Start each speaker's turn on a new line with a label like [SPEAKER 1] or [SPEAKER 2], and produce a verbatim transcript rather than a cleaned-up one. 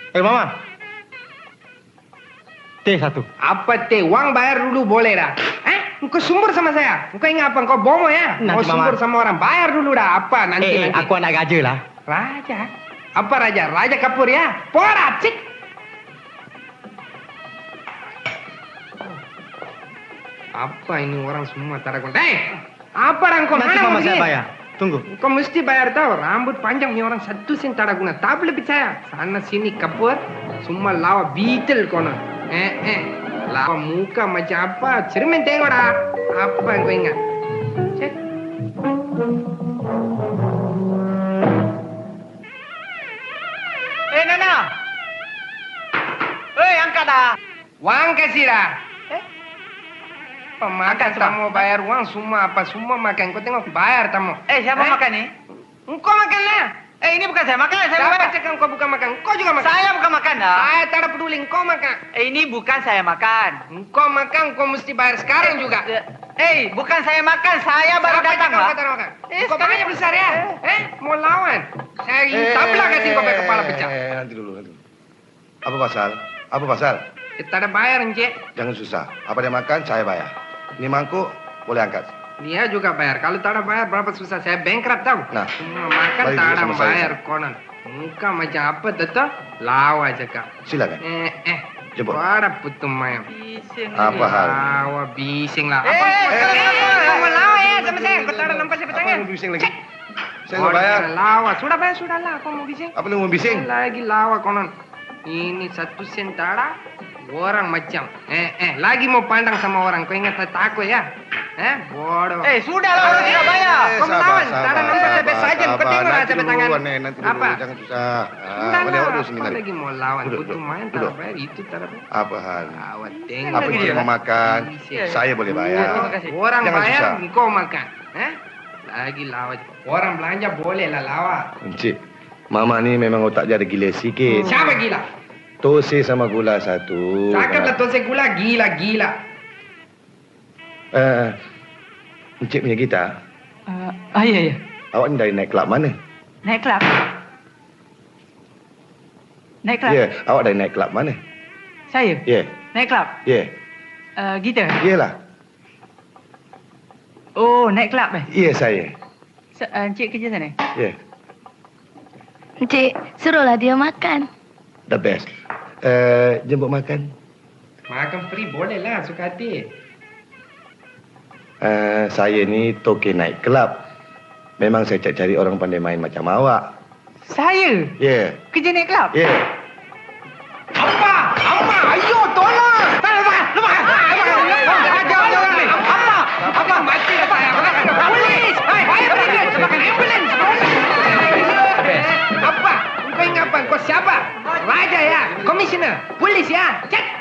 [SPEAKER 1] Eh, Mama. Teh satu.
[SPEAKER 2] Apa teh? Uang bayar dulu boleh dah. Eh? Engkau sumbur sama saya? Engkau ingat apa? Engkau bomo ya?
[SPEAKER 1] Nanti,
[SPEAKER 2] Mau sumbur
[SPEAKER 1] Mama.
[SPEAKER 2] sama orang. Bayar dulu dah. Apa? Nanti,
[SPEAKER 1] Eh, eh,
[SPEAKER 2] nanti.
[SPEAKER 1] aku anak raja lah.
[SPEAKER 2] Raja? Apa raja? Raja Kapur ya? Porat, cik. Apa ini orang semua taragon? Eh, apa orang kau?
[SPEAKER 1] Nanti
[SPEAKER 2] Mana
[SPEAKER 1] Mama
[SPEAKER 2] mau
[SPEAKER 1] saya
[SPEAKER 2] pergi?
[SPEAKER 1] bayar. Tunggu.
[SPEAKER 2] Kau mesti bayar tahu. Rambut panjang ni orang satu sen tak ada guna. Tak boleh percaya. Sana sini Kapur, semua lawa beetle kono. Eh, eh. Lawa muka macam apa? Cermin tengok dah. Apa yang kau ingat? Cek.
[SPEAKER 1] Eh, Nana. Eh, angkat dah.
[SPEAKER 2] Uang kasih dah.
[SPEAKER 1] Eh?
[SPEAKER 2] Pemakan tamu bayar uang semua apa semua makan. Kau tengok bayar tamu.
[SPEAKER 1] Eh, siapa
[SPEAKER 2] Eh?
[SPEAKER 1] makan ni?
[SPEAKER 2] Engkau makan lah.
[SPEAKER 1] Eh, ini bukan saya makan. Saya
[SPEAKER 2] Siapa
[SPEAKER 1] bukan.
[SPEAKER 2] cakap engkau bukan makan? Engkau juga makan.
[SPEAKER 1] Saya bukan makan dah.
[SPEAKER 2] Saya tak ada peduli. Engkau makan.
[SPEAKER 1] Eh, ini bukan saya makan.
[SPEAKER 2] Engkau makan, engkau mesti bayar sekarang juga.
[SPEAKER 1] Eh, bukan saya makan. Saya baru
[SPEAKER 2] Siapa
[SPEAKER 1] datang
[SPEAKER 2] cakap
[SPEAKER 1] lah.
[SPEAKER 2] engkau tak ada makan?
[SPEAKER 1] Eh,
[SPEAKER 2] Engkau
[SPEAKER 1] sekarang-
[SPEAKER 2] banyak besar ya? Eh, mau lawan? Saya tablah kasih kau pakai kepala pecah.
[SPEAKER 3] Eh, nanti dulu, nanti dulu. Apa pasal? Apa pasal?
[SPEAKER 2] Eh, tak ada bayar, Encik.
[SPEAKER 3] Jangan susah. Apa dia makan, saya bayar. Ini mangkuk, boleh angkat.
[SPEAKER 2] Dia juga bayar. Kalau tak ada bayar, berapa susah. Saya bankrupt tahu.
[SPEAKER 3] Nah,
[SPEAKER 2] Semua makan
[SPEAKER 3] balik
[SPEAKER 2] tak
[SPEAKER 3] dulu
[SPEAKER 2] ada
[SPEAKER 3] sama saya.
[SPEAKER 2] bayar konon. Muka macam apa, tetap lawa cakap.
[SPEAKER 3] Silakan.
[SPEAKER 2] Eh, eh.
[SPEAKER 3] Jemput.
[SPEAKER 2] Ada putum mayam.
[SPEAKER 1] Bising.
[SPEAKER 3] Apa hal?
[SPEAKER 2] Lawa bising lah.
[SPEAKER 1] Eh,
[SPEAKER 2] Apa?
[SPEAKER 1] eh,
[SPEAKER 2] Eh,
[SPEAKER 1] eh,
[SPEAKER 2] kau mau lawa ya sama saya. Kau tak ada nampak siapa
[SPEAKER 3] Apa
[SPEAKER 2] tangan.
[SPEAKER 3] mau bising lagi?
[SPEAKER 2] Cek.
[SPEAKER 3] Saya nggak bayar.
[SPEAKER 2] Lawa. Sudah bayar, sudah lah. Kau mau bising?
[SPEAKER 3] Apa lu mau bising?
[SPEAKER 2] Lagi lawa konon. Ini satu sen tak ada. Orang macam. Eh, eh. Lagi mau pandang sama orang. Kau ingat tak takut ya? Eh, bodoh.
[SPEAKER 1] Eh, sudah lah. Orang sudah bayar.
[SPEAKER 2] Kau melawan. Tak ada nampak sampai saja. Kau tengok lah
[SPEAKER 3] Nanti
[SPEAKER 2] sampai
[SPEAKER 3] dulu,
[SPEAKER 2] tangan.
[SPEAKER 3] Nek, nanti dulu.
[SPEAKER 2] Apa?
[SPEAKER 3] Jangan susah.
[SPEAKER 2] Sudah
[SPEAKER 3] Ah, boleh
[SPEAKER 2] lah.
[SPEAKER 3] dulu sini
[SPEAKER 2] Kau
[SPEAKER 3] nanti.
[SPEAKER 2] lagi mau lawan.
[SPEAKER 3] Duduk,
[SPEAKER 2] Putu
[SPEAKER 3] duduk.
[SPEAKER 2] main tak ada
[SPEAKER 3] Duduk.
[SPEAKER 2] bayar. Itu tak ada bayar.
[SPEAKER 3] Apa hal?
[SPEAKER 2] Awat tengok.
[SPEAKER 3] Apa
[SPEAKER 1] lagi
[SPEAKER 3] dia
[SPEAKER 1] dia?
[SPEAKER 3] mau makan?
[SPEAKER 2] Bising.
[SPEAKER 3] Saya boleh
[SPEAKER 1] Terima
[SPEAKER 3] bayar.
[SPEAKER 1] kasih.
[SPEAKER 2] Orang
[SPEAKER 3] Jangan
[SPEAKER 2] bayar,
[SPEAKER 3] susah.
[SPEAKER 2] engkau makan. Eh? Lagi lawa. Orang belanja boleh lah lawa.
[SPEAKER 3] Encik, Mama ni memang otak dia ada gila sikit.
[SPEAKER 2] Siapa gila?
[SPEAKER 3] Tose sama gula satu.
[SPEAKER 2] Cakap lah tosek gula, gila-gila.
[SPEAKER 3] Eh, Encik punya gitar,
[SPEAKER 4] Uh, ah, ya, ya.
[SPEAKER 3] awak ni dari naik kelab mana?
[SPEAKER 4] Naik kelab. Naik kelab.
[SPEAKER 3] Ya, awak dari naik kelab mana?
[SPEAKER 4] Saya.
[SPEAKER 3] Ya,
[SPEAKER 4] Naik kelab.
[SPEAKER 3] ya,
[SPEAKER 4] Uh, gitar.
[SPEAKER 3] iyalah.
[SPEAKER 4] Oh, naik kelab eh.
[SPEAKER 3] Ya, saya.
[SPEAKER 4] S- uh, Encik kerja sana.
[SPEAKER 3] Ya,
[SPEAKER 5] Encik, suruhlah dia makan.
[SPEAKER 3] the best. Eh, jemput makan.
[SPEAKER 2] Makan free boleh lah, suka hati.
[SPEAKER 3] Eh, saya ni toke naik kelab. Memang saya cari-cari orang pandai main macam awak.
[SPEAKER 4] Saya
[SPEAKER 3] Ya,
[SPEAKER 4] kerja naik kelab.
[SPEAKER 3] ya.
[SPEAKER 2] Apa? Apa? Ayo, tolong! Lepas! Lepas! Apa? Apa? Mati lah saya. Polis! Hai, bayar dia. Sebagai ambulans. Apa? Kau ingat apa? Kau siapa? Raja ya? Komisioner? Polis ya? Cek!